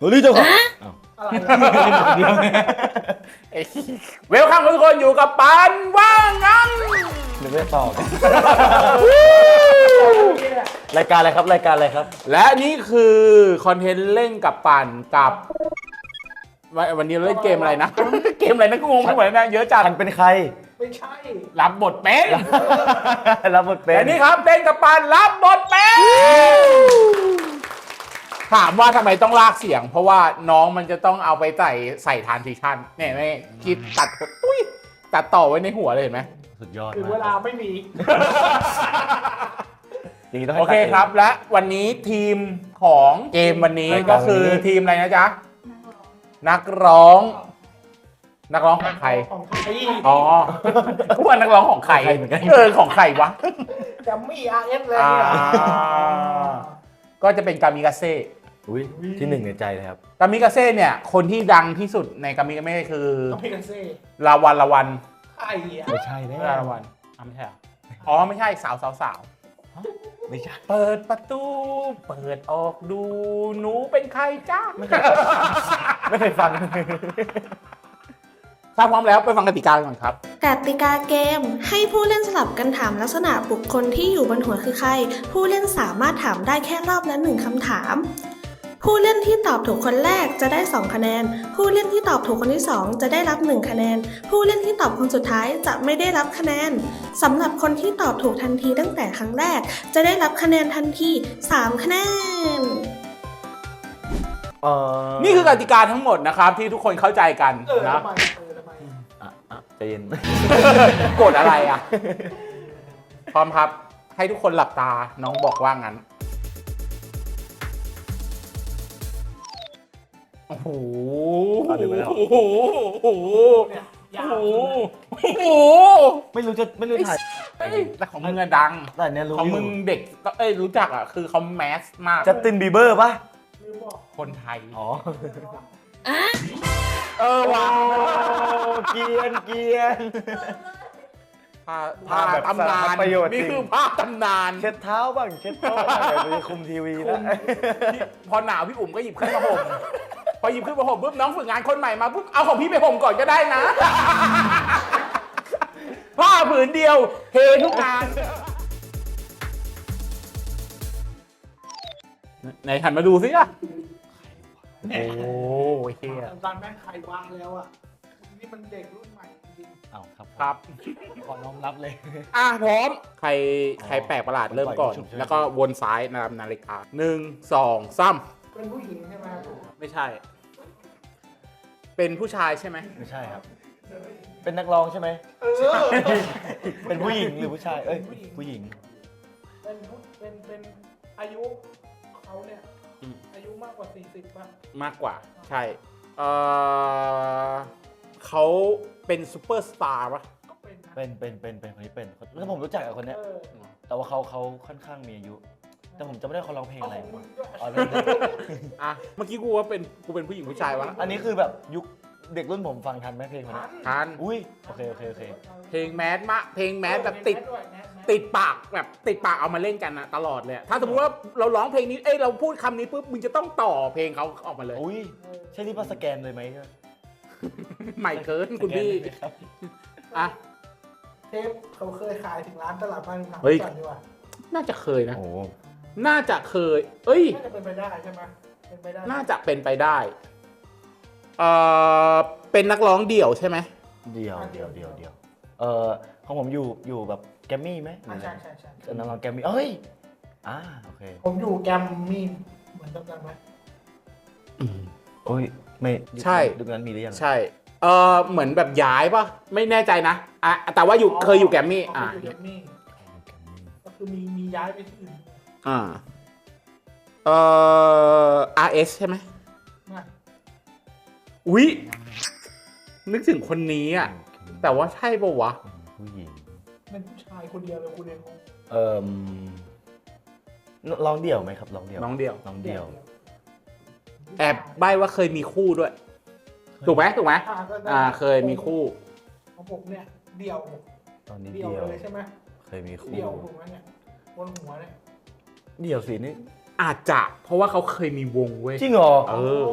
นี่เจ้าของอะไรเดียวเวลคัมทุกคนอยู่กับปานว่างงั้นเดี๋ยวไม่ตอบรายการอะไรครับรายการอะไรครับและนี่คือคอนเทนต์เล่นกับปานกับวันนี้เราเล่นเกมอะไรนะ เกมอะไรนะกูงงไปหมดแล้วนะเยอะจัดฉันเป็นใครไม่ใช่รับบทเป็นรับบทเป็นแต่นี่ครับเล่นกับปานรับบทเป็นถามว่าทำไมต้องลากเสียง เพราะว่าน้องมันจะต้องเอาไปใส่ทรานซิชันเนี่ยไม่คิดตัดต่อไว้ในหัวเลยเห็นไหมสุดยอดถึงเวลาไม่มีอย่างนี้ต้องโอให้เคครับและวันนี้ทีมของเกมวันนี้ก็คือทีมอะไรนะจ๊ะนักร้องของใครของใครอ๋อกูว่านักร้องของใครของใครวะแกมมี่ RS เลยอ่าเนี่ยก็จะเป็นกามิกาเซ่อุ้ยที่หนึ่งในใจเลยครับกามิกาเซ่เนี่ยคนที่ดังที่สุดในกามิกาเซ่คือต้องพี่กันเซ่ลาวันใครอ่ะไม่ใช่แน่ลาวันไม่ใช่อ๋อไม่ใช่สาวไม่ใช่เปิดประตูเปิดออกดูหนูเป็นใครจ้าไม่เคยฟังถ้าพร้อมแล้วไปฟังกติกาก่อนครับกติกาเกมให้ผู้เล่นสลับกันถามลักษณะบุคคลที่อยู่บนหัวคือใคร ผู้เล่นสามารถถามได้แค่รอบละ1คำถาม ผู้เล่นที่ตอบถูกคนแรกจะได้2คะแนน ผู้เล่นที่ตอบถูกคนที่2จะได้รับ1คะแนน ผู้เล่นที่ตอบคนสุดท้ายจะไม่ได้รับคะแนนสำหรับคนที่ตอบถูกทันทีตั้งแต่ครั้งแรก จะได้รับคะแนนทันที3คะแนนนี่คือกติกาทั้งหมดนะครับที่ทุกคนเข้าใจกันนะทำไมทำไมใจเย็นกดอะไรอ่ะ พร้อมครับ ให้ทุกคนหลับตาน้องบอกว่างั้น โอ้โห โอ้โห โอ้โหเนี่ยยาโอ้วโห โอ้โหไม่รู้ถ่ายเอ้ยแต่ของมึงอะดังแต่เนี่ยรู้ของมึงเด็กรู้จักอ่ะ คือเขาแมสมากจัสตินบีเบอร์ป่ะลืมบอกคนไทยอ๋อว่ะเกียนภาพแบบตำนานสารประโยชน์นี่จริงคือภาพตำนานเช็ดเท้าบ้างเช็ดโต๊ะบ้างเดี๋ยวไปคุมทีวีนะพอหนาวพี่อุ๋มก็หยิบขึ้นมาห่ม พอหยิบขึ้นมาห่มปุ๊บน้องฝึกงานคนใหม่มาปุ๊บเอาของพี่ไปห่มก่อนก็ได้นะ ผ้าผืนเดียวเททุกงานไหนหันมาดูสิอ่ะโอ้ยเฮียตอนแม่งใครวางแล้วอ่ะนี่มันเด็กรุ่นใหม่จริงอ้าวครับครับขอน้อมรับเลยพร้อมใครแปลกประหลาดเริ่มก่อน แล้วก็วนซ้ายนะครับนาฬิกา1 2 3 เป็นผู้หญิงใช่ไหมไม่ใช่ เป็นผู้ชายใช่ไหมไม่ใช่ครับ เป็นนักร้องใช่ไหม เป็นผู้หญิงหรือผู้ชาย เอ้ย ผู้หญิงเป็นอายุเขาเนี่ยอายุมากกว่า40ป่ะมากกว่า ใช่เขาเป็นซูเปอร์สตาร์ปะก็เป็นนะเป็นคนนี้เป็นแล้วผมรู้จักกับคนเนี้ย แต่ว่าเขาค่อนข้างมีอายุ แต่ผมจำไม่ได้เขาร้องเพลงเอาอะไรของมึงด้วยอ๋ออ่ะเมื่อกี้กูว่ากูเป็นผู้หญิงผู้ชายวะอันนี้คือแบบยุคเด็กรุ่นผมฟังทันไหมเพลงคนนี้ทันอุ้ย โอเคเพลงแมสเพลงแมสแบบติดปากแบบติดปากเอามาเล่นกันนะตลอดเลยถ้าสมมติว่าเราร้องเพลงนี้เราพูดคำนี้ปุ๊บมึงจะต้องต่อเพลงเขาออกมาเลยอุ้ย ใช่ที่ว่าสแกนเลยไหมใหม่เกินคุณพี่สแกนเลยไหมครับอ่ะเทปเขาเคยขายถึงร้านตลาดบ้านถามเฮ้ยก่อนดีกว่าน่าจะเคยนะโอ้น่าจะเคย เอ้ยน่าจะเป็นไปได้ใช่ไหมเป็นไปได้น่าจะเป็นไปได้เป็นนักร้องเดี่ยวใช่ไหมเดียวของผมอยู่แบบแกมมี่ไหมใช่นักร้องแกมมี่เอ้ย โอเคผมอยู่แกมมี่เหมือนกันไหมโอ้ย ไม่ใช่ยุคนั้นมีหรือยังใช่เหมือนแบบย้ายปะไม่แน่ใจนะแต่ว่าเคยอยู่แกรมมี่อยู่แกมมี่ก็คือมีย้ายไปที่อื่น RS ใช่ไหมไม่อุ๊ยนึกถึงคนนี้อ่ะแต่ว่าใช่ปะวะผู้หญิงเป็นผู้ชายคนเดียวเลยคุณเองงร้องเดี่ยวไหมครับร้องเดี่ยวน้องเดียวร้องเดี่ยวแอบใบว่าเคยมีคู่ด้วย ถูกไหมก็ได้เคยมีคู่ของผมเนี่ยเดี่ยวตอนนี้เดี่ยวเดี่ยวเลยใช่ไหมเคยมีคู่เดี่ยวถูกไหมเนี่ยบนหัวเนี่ยเดี่ยวสินี่อาจจะเพราะว่าเขาเคยมีวงเว้ยจริงเหรอเออ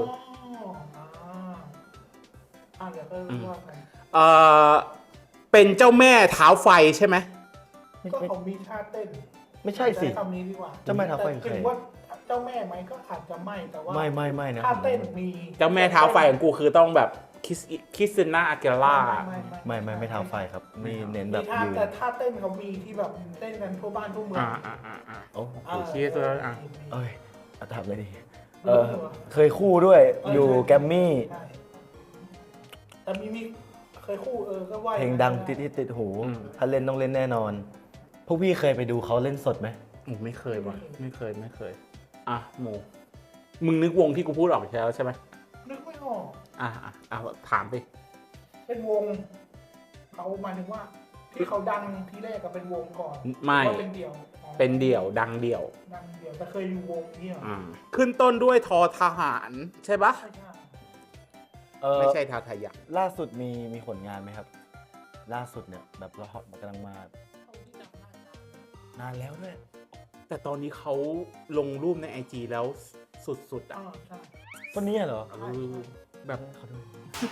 เดี๋ยวก็ว่ากันเป็นเจ้าแม่เท้าไฟใช่ไหมก็เขามีท่าเต้นไม่ใช่สิคำนี้ดีกว่าเจ้าแม่เท้าไฟคือใครถึงว่าเจ้าแม่ไหมก็อาจจะไม่แต่ว่าไม่นะท่าเต้นมีเจ้าแม่เท้าไฟของกูคือต้องแบบคริสติน่าอาเกล่าไม่เท้าไฟครับนี่เน้นแบบมีท่ายืนแต่ท่าเต้นเขามีที่แบบเต้นกันทั่วบ้านทั่วเมืองโอ้โอเคตัวอ่ะเอ้ยเอาถามเลยดิเคยคู่ด้วยอยู่แกรมมี่ใช่แต่มีเคยคู่ก็ว่าเพลงดังติดหู ถ้าเล่นต้องเล่นแน่นอน พวกพี่เคยไปดูเขาเล่นสดไหมไม่เคยว่ะไม่เคยอ่ะหมูมึงนึกวงที่กูพูดออกใช่ไหมนึกไม่ออกถามไปเป็นวงเขาหมายถึงว่า ที่เขาดังที่แรกก็เป็นวงก่อนไม่ว่าเป็นเดี่ยวอ๋อเป็นเดี่ยวดังเดี่ยวดังเดี่ยวแต่เคยอยู่วงนี้เหรอขึ้นต้นด้วยทอทหารใช่ปะใช่ใช่ไม่ใช่ทาทายักล่าสุดมีผลงานไหมครับ ล่าสุดเนี่ยแบบเราฮอตกำลังมาเขาที่จำได้นานแล้วด้วยแต่ตอนนี้เขาลงรูปใน IG แล้วสุดๆอ่ะใช่คนนี้เหรอแบบเขาดู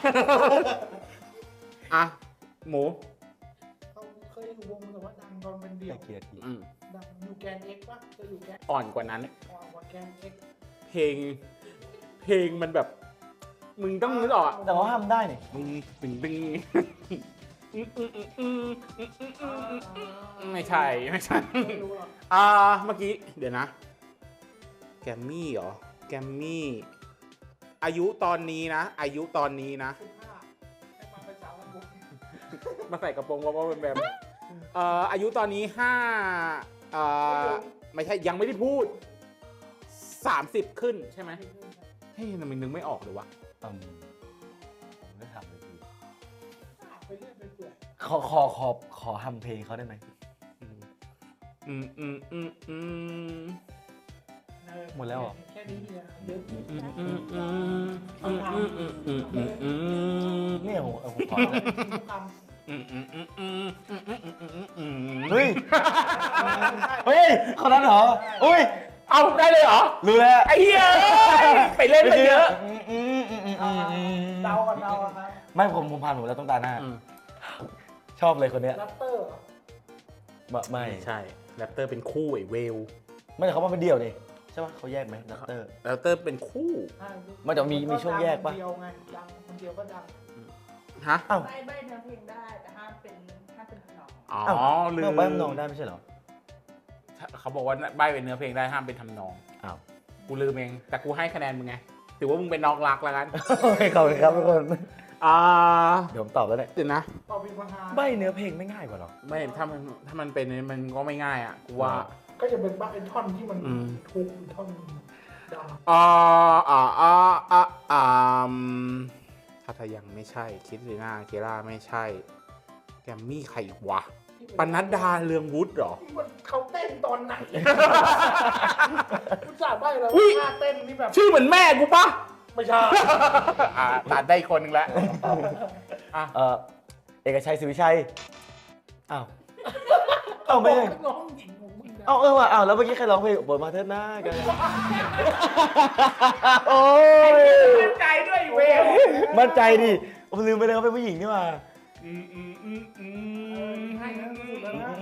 อ่ะหมูเขาเคยอยู่วงแต่ว่าดังตอนเป็นเดี่ยวแต่เกียรติดังอยู่แกนเอ็กซ์ปะจะอยู่แกนอ่อนกว่านั้นว่าแกนเอ็กซ์เพลงมันแบบ มึงต้องนึกออกอ่ะแต่เขาห้ามได้นี่บึงไม่ใช่ไม่รู้หรอกเมื่อกี้เดี๋ยวนะ แกมมี่เหรอ แกมมี่ อายุตอนนี้นะ 15ให้มาเป็นสาววงมาใส่กระโปรงว่าเป็นแบบอายุตอนนี้ไม่ใช่ยังไม่ได้พูด 30 ขึ้นใช่ไหมเฮ้ยทำไมนึกไม่ออกเลยวะผมไม่ถามเลยทีไปเรื่อยไปเปื่อยขอทำเพลงเขาได้ไหม หมดแล้วเหรอแค่นี้เนี่ยเยอะเนี่ยผมขอทุกคำเฮ้ย เฮ้ยคนนั้นเหรอ อุ้ยเอาได้เลยเหรอรู้แล้วไอ้เหี้ยไปเล่นไปเยอะเดากันครับไม่ผมผ่านผมแล้วต้องตาหน้า ชอบเลยคนเนี้ยแรปเตอร์ไม่ใช่แรปเตอร์เป็นคู่ไอ้เวลไม่แต่เขามาเป็นเดี่ยวนี่ใช่ปะเขาแยกไหมดัตเตอร์แรปเตอร์เป็นคู่มันจะมีช่วงแยกปะเดียวไงดังคนเดียวก็ดังฮะอ้าวใบ้เนื้อเพลงได้แต่ห้ามเป็นทำนองอ๋ออ้าวลืเมื่อมใบ้นองได้ไม่ใช่เหรอเขาบอกว่าใบเป็นเนื้อเพลงได้ห้ามเป็นทำนองอ้าวกูลืมเองแต่กูให้คะแนนมึงไงถือว่ามึงเป็นน้องรักแล้วกันขอบคุณครับทุกคนอ่าเดี๋ยวผมตอบแล้วเนี่ยเดี๋ยวนะต่อพิมพ์ใบ้เนื้อเพลงไม่ง่ายกว่าหรอไม่ถ้ามันเป็นมันก็ไม่ง่ายอ่ะกูว่าก็จะเป็นบ้าเป็นท่อนที่มันอืมทุกท่อนดังถ้ายังไม่ใช่คิดลีน่าเกล่าไม่ใช่ แกมมี่ใครอีกวะที่ปนัดดาเรืองวุฒิเหรอมันเขาเต้นตอนไหนคุณจ่าใบ้แล้วอุ๊ยท่าเต้นนี่แบบชื่อเหมือนแม่กูปะไม่ใช่ตัดได้อีกคนนึงแล้วเอกชัยศรีวิชัย อ้าว อ้าวไม่ใช่น้องหญิงของมึงนะอ้าวว่ะอ้าวแล้วเมื่อกี้ใครร้องเพลงเปิดมาเถิดหน้ากัน โอ้ยมั่นใจด้วยเวลมั่นใจดิผมลืมไปเลยเขาเป็นผู้หญิงนี่หว่าให้นะสุดแล้วนะ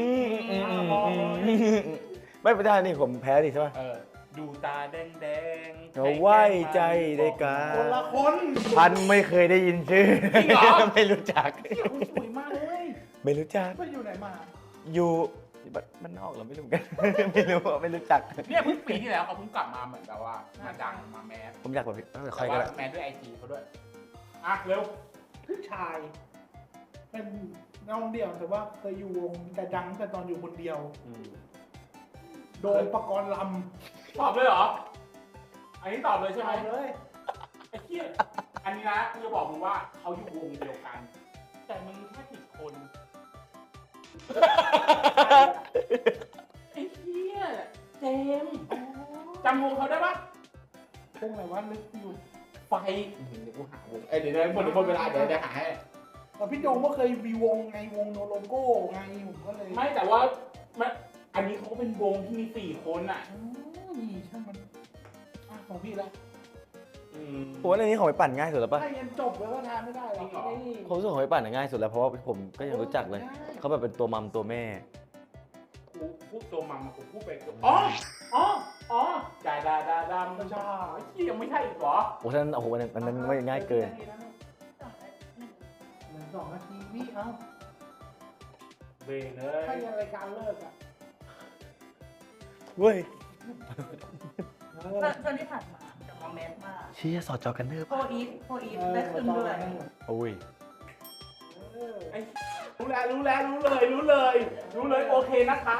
ไม่เป็นได้นี่ผมแพ้ดิใช่ป่ะดูตาแดงเขาไว้ใจได้กาคนละคนพันไม่เคยได้ยินชื่อ ไม่รู้จักสวยมากเลยไม่รู้จักไปอยู่ไหนมาอยู่บ้านนอกเหราไม่รู้กัน ไม่รู้ไม่รู้จักเนี่ยเพิ่งปีที่แล้วเขาเพิ่งกลับมาเหมือนแบบว่ามาดังมาแมสผมอยากแบบใครแต่ก็ว่าได้แมสด้วยไอจีเขาด้วยอ่ะเร็วผู้ชาย เป็นน้องเดี่ยวแต่ว่าเคยอยู่วงแต่ดังแต่ตอนอยู่คนเดียว โดนประกรณ์ลตอบเลยเหรอ อันนี้ตอบเลยำใช่ไหมเลยไอ้เหี้ยอันนี้นะกูจะบอกมึงว่าเขาอยู่วงเดียวกัน แต่มึงแค่ผิดคน ไอ้เหี้ยเจมส์จำวงเขาได้ปะพวกไหนว่าลึกอยู่ไฟเดี๋ยวกูหาวงเดี๋ยวหมดเวลาเดี๋ยวหาให้แต่พี่โดมก็เคยมีวงไงวงโนโลโก้ไงผมก็เลยไม่แต่ว่ามันอันนี้เขาก็เป็นวงที่มี4 คนอ่ะนี่พี่แล้วผมว่าในนี้ของไปปั่นง่ายสุดแล้วป่ะถ้ายันจบแล้วก็ทานไม่ได้หรอกนี่ผมรู้สึกของไปปั่นง่ายสุดแล้วเพราะว่าผมก็ยังรู้จักเลยเขาแบบเป็นตัวมัมตัวแม่กูพูดตัวมัมกูพูดไปอ๋อดาดำไม่ใช่ที่ยังไม่ใช่อีกเหรอโอ้ท่านโอ้โหอันนั้นไม่ง่ายเกิน 1-2 นาทีพี่เอ้าเบรกเลยถ้ายันรายการเลิกอ่ะเว้ยตอนที่ผ่านมาจะมาแมสมากเชี่ยสอดจอกันเนอร์โฟอีฟได้ขึ้นด้วยโอ้ยรู้เลยโอเคนะคะ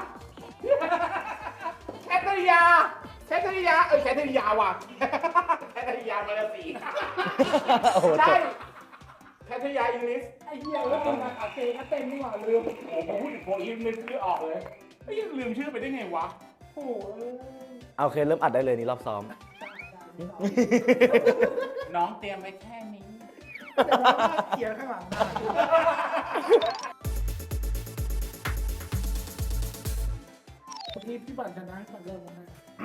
แคทริยาว่ะแคทริยามาลาสีโอ้โหจใช่บแคทริยาอิงลิสไอ้เหี้ยแล้วเป็นอาเกก็เต็มนี่หว่าลืมโอ้โหพูดถึงโฟอีฟนึกชื่อออกเลยไอ้ยังลืมชื่อไปได้ไงวะโอ้โหเอาโอเคเริ่มอัดได้เลยนี่รอบซ้อมน้องเตรียมไว้แค่นี้แต่ว่าเขียนข้างหลังได้เมื่อกี้พี่ปั่นชนะปั่นเริ่มมาให้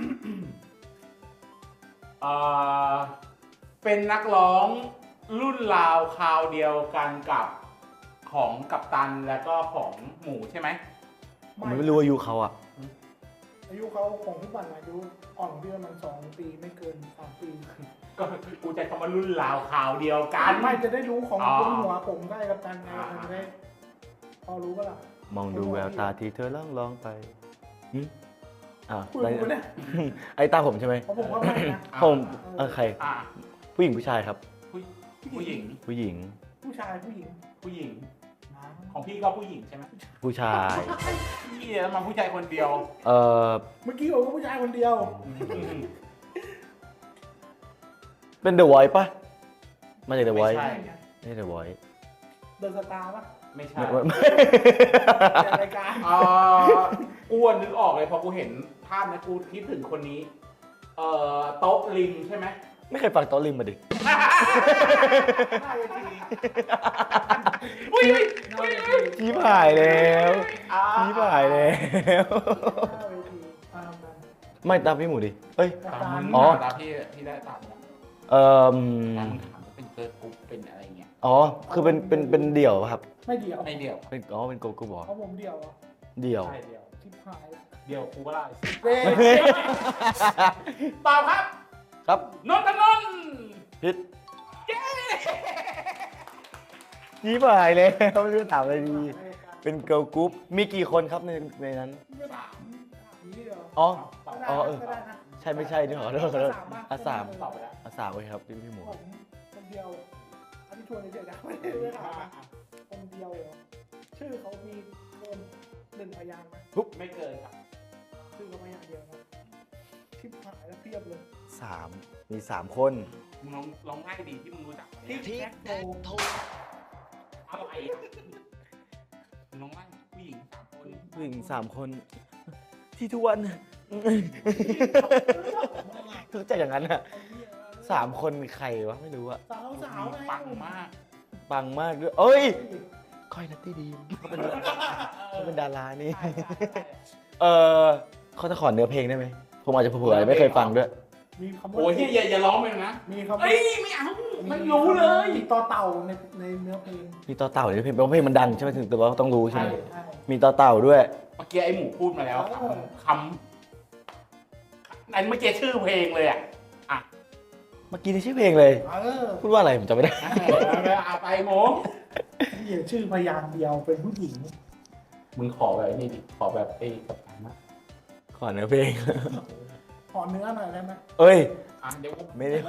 เป็นนักร้องรุ่นราวคราวเดียวกันกับของกัปตันแล้วก็ของหมูใช่ไหมผมไม่รู้อายุเขาอ่ะอายุเขาของพี่ปั่นอายุอ่อนพี่ประมาณ2 ปีไม่เกิน3 ปีก็กูจะคำว่ารุ่นราวคราวเดียวกันไม่จะได้รู้ของบนหัวผมได้กับการไงมันได้พอรู้ก็ล่ะมองดูแววตาที่เธอล่องไปหึอ่าคุยกูเนี่ยไอ้ตาผมใช่ไหมเพราะผมว่าไม่นะผมใครอ่ะผู้หญิงผู้ชายครับผู้หญิงผู้หญิงผู้ชายผู้หญิงผู้หญิง ของพี่ก็ผู้หญิงใช่ไหมผู้ชายพี่แล้วมาผู้ชายคนเดียวเอ่อเมื่อกี้บอกว่าผู้ชายคนเดียวเป็น The Voice ป่ะ มาจาก The ไม่ Voice ใช่ไม่ใช่ The Voice เดินสตาร์ป่ะไม่ใช่ไม่ในรายการกูนึกออกเลยพอกูเห็นภาพนะกูคิดถึงคนนี้โต๊ะริมใช่ไหมไม่เคยฟังโต๊ะริมมาดิหน้าเวทีอุ้ยหน้าเวทีชี้ผ่ายแล้วชี้ผ่ายแล้วหน้าเวทีตามกันไม่ตามพี่หมูดิ เอ้ยตาตามมมึงอ๋อตามพี่ได้ตามแล้วเอ่อตามมึงถามว่าเป็นเกิร์ลกรุ๊ปเป็นอะไรเงี้ยอ๋อ คือเป็นเดี่ยวป่ะครับไม่เดี่ยวไม่เดียวเป็นเป็นโกกูบอเพราะผมเดี่ยวอ่ะเดี่ยวใช่เดียวชิบหายแล้วเดียวกูก็ได้เว้ยตอบครับครับนนทนนท์พิษชี้ผ่ายแล้วไม่รู้จะถามอะไรดี เป็นเกิร์ลกรุ๊ป มีกี่คนครับในนั้นไม่ถามนี้เหรออ๋อตอบได้อ๋อก็ได้นะใช่ไม่ใช่นี่ขอโทษขอโทษสามอ่ะบ้าง 3 ตอบไปแล้ว 3โอเคครับพี่หมูผมคนเดียว อันนี้ชวนเฉยๆนะไม่ได้ถามนะคนเดียวเหรอชื่อเขามีเกิน1 พยางค์ไหมไม่เกินครับชื่อเขาพยางค์เดียวนะชิบหายแล้วเพียบเลย 3มี3คนมึงลองง่ายดีที่มึงรู้จักทิกแท็กโทอะไรอ่ะมึงลองง่ายผู้หญิง3 คนผู้หญิง3 คน ที่ทุกวันรู้จักอย่างนั้นอ่ะ3 คนใครวะไม่รู้อะสาวไงปังมากปังมากด้วยเอ้ยค่อยนัตตี้ดีมเขาเป็นดารานี่ เขาจะขอเนื้อเพลงได้ไหมผมอาจจะเผื่อๆไม่เคยฟังด้วยมีคำว่าโอ้ยอย่าร้องไปนะมีคำว่าเอ้ยไม่เอาไม่รู้เลยมีต่อเต่าในเนื้อเพลงมีต่อเต่าในเพลงเพราะเพลงมันดังใช่ไหมถึงแต่ว่าต้องรู้ใช่ไหมใช่มีต่อเต่าด้วยเมื่อกี้ไอ้หมูพูดมาแล้วคำอันเมื่อกี้ชื่อเพลงเลยอ่ะเมื่อกี้นี่ชื่อเพลงเลย พูดว่าอะไรผมจำไม่ได้เอาไปหมูเขียนชื่อพยางค์เดียวเป็นผู้หญิงมึงขอแบบนี้ดิขอแบบไอ้กับการนะขอเนื้อเพลงขอเนื้อหน่อยได้ไหมเอ้ยเดี๋ยวไม่ได้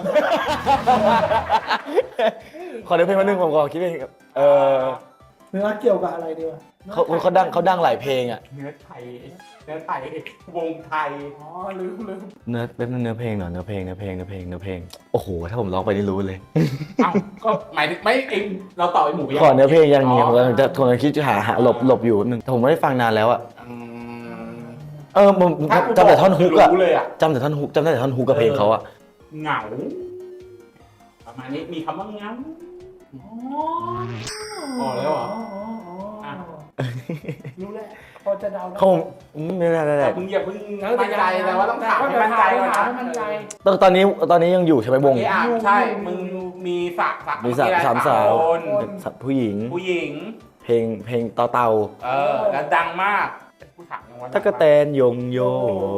ขอเนื้อเพลงมาหนึ่งผมขอคิดเพลงครับเนื้อเกี่ยวกับอะไรดีวะเขาดังหลายเพลงอ่ะเนื้อไทยวงไทยอ๋อลืมเป็นเนื้อเพลงหน่อยเนื้อเพลงโอ้โหถ้าผมร้องไปนี่รู้เลยเอ้าก็หมายถึงไม่เองเราต่อไอ้หมูขอเนื้อเพลงอย่างนี้ผมกำลังจะคิดจะหาหลบอยู่แป๊บนึงแต่ผมไม่ได้ฟังนานแล้วอ่ะผมจำแต่ท่อนฮุกอะรู้เลยอ่ะจำได้แต่ท่อนฮุกกับเพลงเขาอะเหงาประมาณนี้มีคำว่าเหงา อ๋อแล้วเหรอรู้แล้วพอจะเดาได้เขาไม่ได้แต่มึงอย่าเพิ่งมั่นใจแต่ว่าต้องถามให้มั่นใจก่อนถามนะให้มั่นใจตอนนี้ยังอยู่ใช่ไหมวงโอเคอ่ะใช่มึงมีสระมีสามสาวคนผู้หญิงผู้หญิงเพลงเต่าแล้วดังมากกูถามยังว่าตะกะแตนยงโย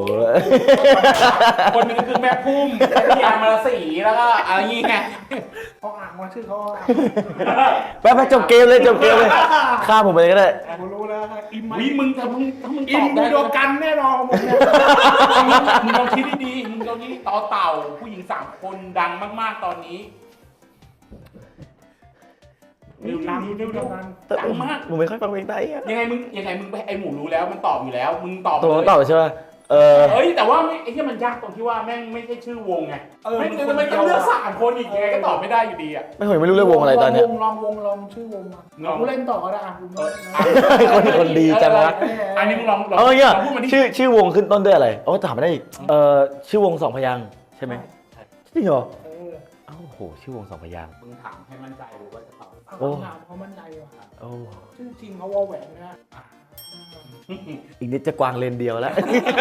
คนหนึงคือแม่พุ่มพี่ยามาลสีแล้วก็อะไรงี้ไงเขาอ่านว่าชื่อเขาอ่านไปจบเกมเลยข้ามผมไปเลยก็ได้ผมรู้แล้วอิมวิมึงถ้ามึงตอิอมบบูได้โดกันแน่นอนผมเนี่ยมึงลองคิดดีๆมึงลองคิดต่อเต่าผู้หญิง3 คนดังมากๆตอนนี้อิมบูโดกันดังมากผมไม่ค่อยฟังเพลงไทยอะยังไงมึงไอหมูรู้แล้วมันตอบอยู่แล้ว มึงตอบตัวเลยต่อใช่ไหมเอ้ยแต่ว่าไอ้ที่มันยากตรงที่ว่าแม่งไม่ใช่ชื่อวงไงไม่คือมันต้องเลือก3 คนอีกยังไงก็ตอบไม่ได้อยู่ดีอ่ะไม่รู้เรื่องวงอะไรตอนเนี้ยลองชื่อวงมาผมเล่นต่อก็ได้อ่ะคนดีจังวะอันนี้มึงลองเนี่ยพูดมาดิชื่อวงขึ้นต้นด้วยอะไรโอ้ถามไม่ได้อีกชื่อวง2 พยางค์ใช่ไหมจริงเหรอโอ้โหชื่อวง2 พยางค์มึงถามให้มั่นใจหรือว่าจะตอบถามเขามั่นใจว่ะโอ้ชื่อจริงเขาวอแหวนนะอีกนิดจะกวางเลนเดียวแล้ว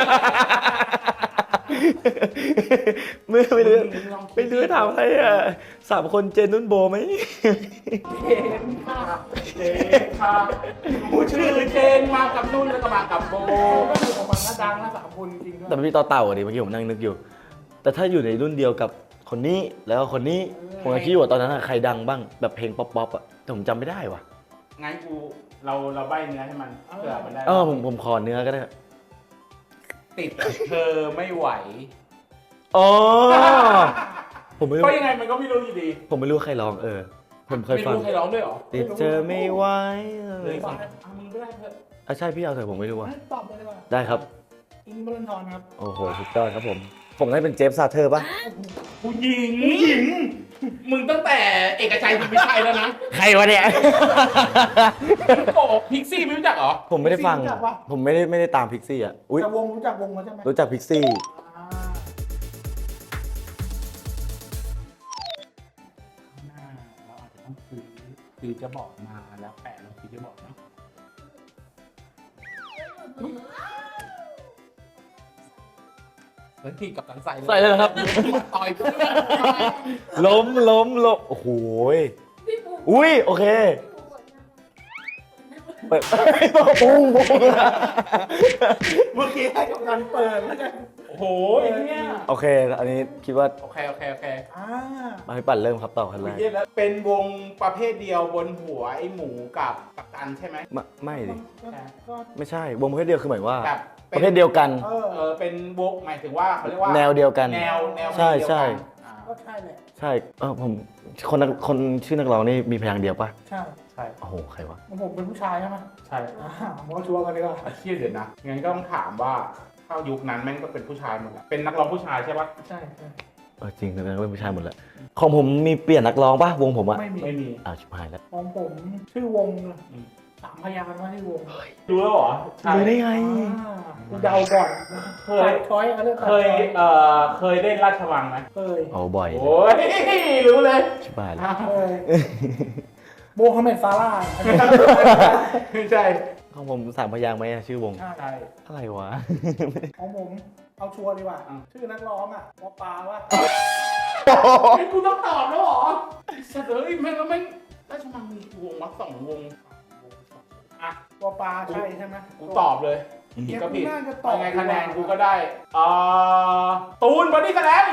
ไม่รู้ถามใครอ่ะ3 คนเจนนุ่นโบไหมเห็นค่ะเจนค่ะผู้ชื่อเจนมากับนุ่นแล้วก็มากับโบก็คือของมันก็ดังนะ3 คนจริงด้วยแต่มันมีต่อเต่าอ่ะดิเมื่อกี้ผมนั่งนึกอยู่ แต่ถ้าอยู่ในรุ่นเดียวกับคนนี้แล้วก็คนนี้ผมก็คิดว่าตอนนั้นใครดังบ้างแบบเพลงป๊อปอ่ะแต่ผมจำไม่ได้ว่ะงั้นเราใบเนื้อให้มันเผื่อมันได้ผมขอเนื้อก็ได้ติดเธอไม่ไหวอ๋อผมไม่รู้เพราะยังไงมันก็ไม่รู้อยู่ดีผมไม่รู้ใครร้องผมเคยไม่ฟังรู้ใครร้องด้วยเหรอติดเจอไม่ไหวเลยฟังมึงก็ได้เถอะใช่พี่เอาเถอะผมไม่รู้ว่ะตอบเลยดีกว่าได้ครับอินบอลทอนครับโอ้โหสุดยอดครับผมได้เป็นเจฟซาเธอร์ป่ะผู้หญิงมึงตั้งแต่เอกชัยเป็นไม่ใช่แล้วนะใครวะเนี่ยโกพิกซี่ไม่รู้จักเหรอผมไม่ได้ฟัง ผมไม่ได้ตามพิกซี่อ่ะอุ้ยแต่วงรู้จักวงเขาใช่ไหมรู้จักพิกซี่หน้าเราอาจจะต้องซื้อจะบอกมาแล้วแปะลงซื้อจะบอกนะเฮ้ยกับตันใส่ใส่เลยเหรอครับต่อยเพื่อนล้มโอ้โหอุ้ยโอเคเปิดปุ้งเมื่อกี้ให้กับการเปิดแล้วกันโอ้โหเนี่ยโอเคอันนี้คิดว่าโอเคมาให้ปั่นเริ่มครับต่อคันแรกเป็นวงประเภทเดียวบนหัวไอ้หมูกับกัปตันใช่ไหมไม่ดิก็ไม่ใช่วงประเภทเดียวคือหมายว่าแบบประเภทเดียวกันเป็นวงหมายถึงว่าเขาเรียกว่าแนวเดียวกันแนวใช่เดียวกันใช่อ่าก็ใช่แหละใช่ผมคนชื่อนักร้องนี่มีพยางค์เดียวป่ะใช่ใช่โอ้โหใครวะผมเป็นผู้ชายใช่ไหมใช่ผมก็ชัวร์กันดีกว่าเครียดเดี๋ยวนะงั้นก็ต้องถามว่าถ้ายุคนั้นแม่งก็เป็นผู้ชายหมดแหละเป็นนักร้องผู้ชายใช่ปะใช่จริงนะเป็นผู้ชายหมดแล้วของผมมีเปลี่ยนนักร้องป่ะวงผมอะไม่มีชิบหายแล้วของผมชื่อวง3 พยางค์ว่าชื่อวงรู้แล้วเหรอรู้ได้ไงกูเดาก่อนเคยช้อยเขาเรียกเคยเล่นราชวังไหมเคยโอ้บ่อยโอ้ยรู้เลยชิบหายแล้วเคยโบฮัมเหม็ดซาร่าไม่ใช่ของผม3 พยางค์ไหมอะชื่อวงใช่อะไรวะของผมเอาชัวร์ดีกว่า ชื่อนักร้องวอปาว่าไอ้กูต้องตอบแล้วเหรอเสดเลยแม่งแล้วแม่งราชวังมีกี่วงวะ2 วงอ่ะวอปาใช่ใช่ไหมกูตอบเลย ผิดก็ผิดน่าจะตอบยังไงคะแนนกูก็ได้ตูนบอดี้สแลม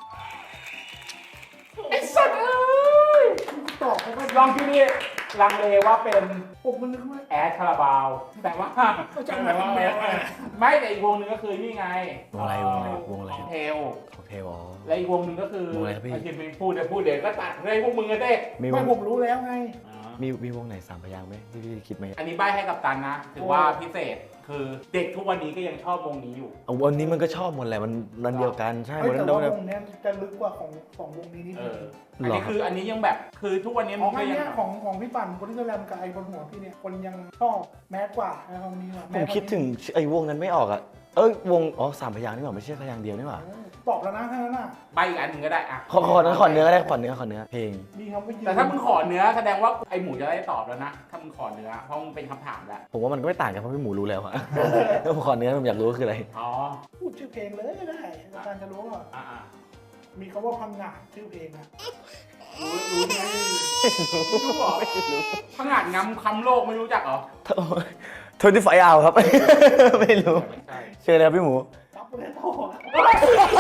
ไอ้สัตว์เอ้ยตอบเขาก็ลองที่นี่ลังเลว่าเป็นผมมันนึกว่าแอดคาราบาวแต่ว่าเขาจะมาทำไมวะไม่แต่อีกวงหนึงก็คือนี่ไงวงอะไรของเทลของเทวอ๋อและอีกวงหนึงก็คือวงอะไรครับพี่ไอ้ที่มึงพูดเดี๋ยวก็ตัดให้พวกมึงกันเด้มีวไม่งผมรู้แล้วไงมีวงไหน3 พยางค์ไหมที่พี่คิดไหมอันนี้ใบ้ให้กับตันนะถือว่าพิเศษคือเด็กทุกวันนี้ก็ยังชอบวงนี้อยู่วันนี้มันก็ชอบหมดแหละมันเดียวกันใช่เฮ้ยมันแต่เดียวว่ากันวงเนี้ยจะลึกกว่าของวงนี้นิดเอนึงออันนี้คืออันนี้ยังแบบคือทุกวันนี้ขมึองงอัก็นยังเนี้ยของพี่ปั่นคนที่แสลมกับไอ้บนหัวพี่เนี่ยคนยังชอบแมสกว่านะครับนี้ผมคิดถึงไอ้วงนั้นไม่ออกอ่ะวง3 พยางค์นี่หว่าไม่ใช่พยางค์เดียวนี่หว่าตอบแล้วนะแค่นั้นน่ะใบอีกอันหนึ่งก็ได้อะขอเนื้อก็ได้ขอเนื้อเพลงมีคำว่ายืนแต่ถ้ามึงขอเนื้อแสดงว่าไอหมูจะได้ตอบแล้วนะถ้ามึงขอเนื้อเพราะมึงเป็นคำถามแล้วผมว่ามันก็ไม่ต่างกันเพราะพี่หมูรู้แล้วอะ ผมขอเนื้อผมอยากรู้ว่าคืออะไรอ๋อพูดชื่อเพลงเลยก็ได้อาจารย์จะรู้ว่าอ่ามีคำว่าพังงาดชื่อเพลงนะรู้ไหมรู้เหรอพังงาดงำคำโลกไม่รู้จักเหรอ 25 hours ครับ ไม่รู้ไม่ใช่เชิญเลยครับพี่หมูปั๊บไปเลยโตเมื่อ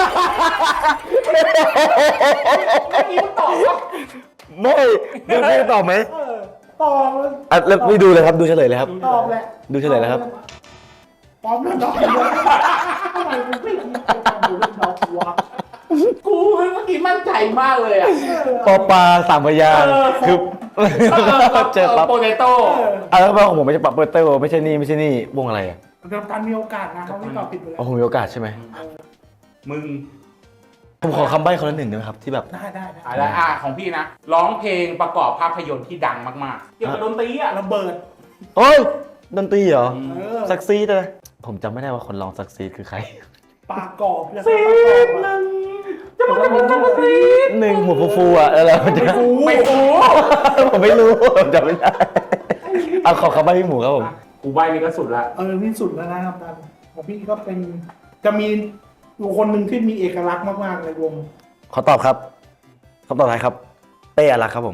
กี้มึงตอบว่าไม่ไม่ตอบไหมตอบเลยอ่ะแล้วไม่ดูเลยครับดูเฉลยเลยครับตอบแหละดูเฉลยแล้วครับป๊อปแล้วดอกเลยทำไมมึงไม่คิดไปทำดูเรื่องดอกวะกูเมื่อกี้มั่นใจมากเลยอ่ะปอปลาสามพยางค์คือเจอปั๊บโปเตโต้แล้วของผมไม่ใช่ปั๊บเปอร์เตอร์ไม่ใช่นี่วงอะไรอ่ะเดี๋ยวการมีโอกาสนะเขาไม่ตอบผิดไปแล้อ๋อวผมมีโอกาสใช่ไหมมึงผมขอคำใบ้คนละหนึ่งได้ไหมครับที่แบบได้อะไรของพี่นะร้องเพลงประกอบภาพยนตร์ที่ดังมากๆเกี่ยวกับดนตรีอ่ะระเบิดโอ้ยดนตรีเหรอเซักซีดเลยผมจำไม่ได้ว่าคนร้องซักซีดคือใครปากกรอบเลยจะมาเป็นดนตรีหนึ่งหัวฟูๆอ่ะแล้วจะไม่ฟูผมไม่รู้ผมจำไม่ได้เอาขอคำใบ้พี่หมูครับผมกูใบนี่ก็สุดละนี่สุดแล้วนะครับท่านของพี่ก็เป็นจะมีอยู่คนหนึ่งที่มีเอกลักษณ์มากๆในวงขอตอบครับคำตอบท้ายครับเป้อารักครับผม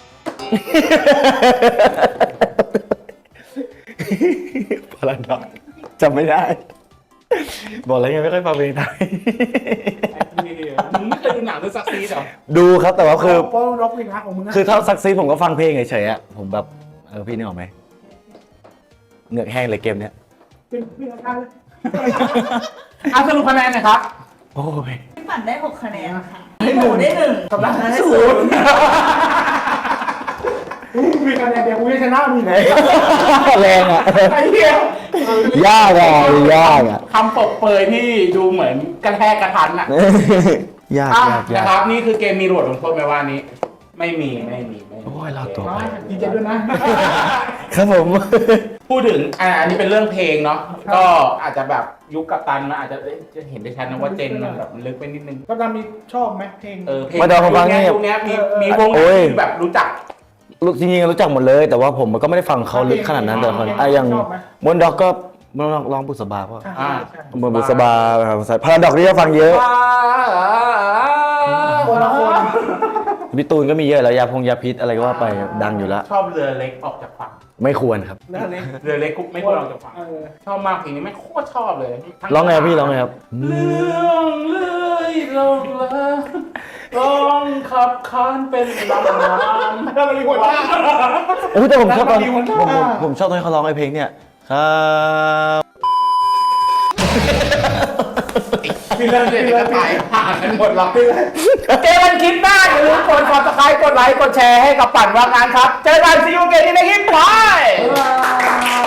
พลังดอกจำไม่ได้ บอกแล้วยังไม่ค่อยฟังเพลงไทยมึงไม่เคยดูหนังเรื่องซักซีดเหรอดูครับแต่ว่าคือเพราะร็อกเอกลักษณ์ของมึงนะคือถ้าซักซีดผมก็ฟังเพลงเฉยๆอะผมแบบพี่นึกออกไหมเหงือกแห้งเลยเกมเนี้ยเป็นอาการเลยสรุปคะแนนหนะครับโอ้ยพี่ปั่นได้6คะแนนค่ะพี่หมูได้1 กับรักได้ศูนย์มีคะแนนเดียวกูจะชนะมีไหนแรงอะไอ้เหี้ยยากอะยากอะคำปกเปยที่ดูเหมือนกระแทกกระทันอ่ะยากอ่ะยากยานะกครับนี่คือเกมมีโหลดลงโทษไหมว่านี้ ไม่มีโอ้ยลากตัวดีใจด้วยนะครับผมพูดถึงอันนี้เป็นเรื่องเพลงเนาะก็อาจจะแบบยุคกัปตันมันอาจจะจะเห็นได้ชัดนะว่าเจนมันแบบลึกไปนิดนึงก็จะมีชอบไหมเพลงเพลงมาเดาฟังนี่ยุคเนี้ยมีวงไหนโอ้ยที่แบบรู้จักจริงๆรู้จักหมดเลย แต่ว่าผมก็ไม่ได้ฟังเขาลึกขนาดนั้นแต่คนอย่างมอนด็อกก็มอนด็อกร้องบุษบาเพราะ เหมือนบุษบาพาราดอกนี่ก็ฟังเยอะคนละคนพี่ตูนก็มีเยอะแล้วยาพิษอะไรก็ว่าไปดังอยู่แล้วชอบเรือเล็กออกจากฝั่งไม่ควรครับเรื่องเล็กเรือเล็กกุ๊กไม่ควรออกจากฝั่งชอบมากเพลงนี้ไม่โคตรชอบเลยร้องไงพี่ร้องไงครับเรื่องเลยลงละร้องขับคานเป็นลำน้ำถ้ามันมีคนว่าโอ้ยแต่ผมชอบตอนแล้วมันมีคนผมชอบตอนเขาร้องไอ้เพลงเนี่ยครับพี่เลิกเลยจะตายห่างกันหมดหรอกเจอกันคลิปหน้าอย่าลืมกด subscribe กดไลค์กดแชร์ให้กับปั่นว่างงานครับเจอกันซีอูเกมในคลิปไป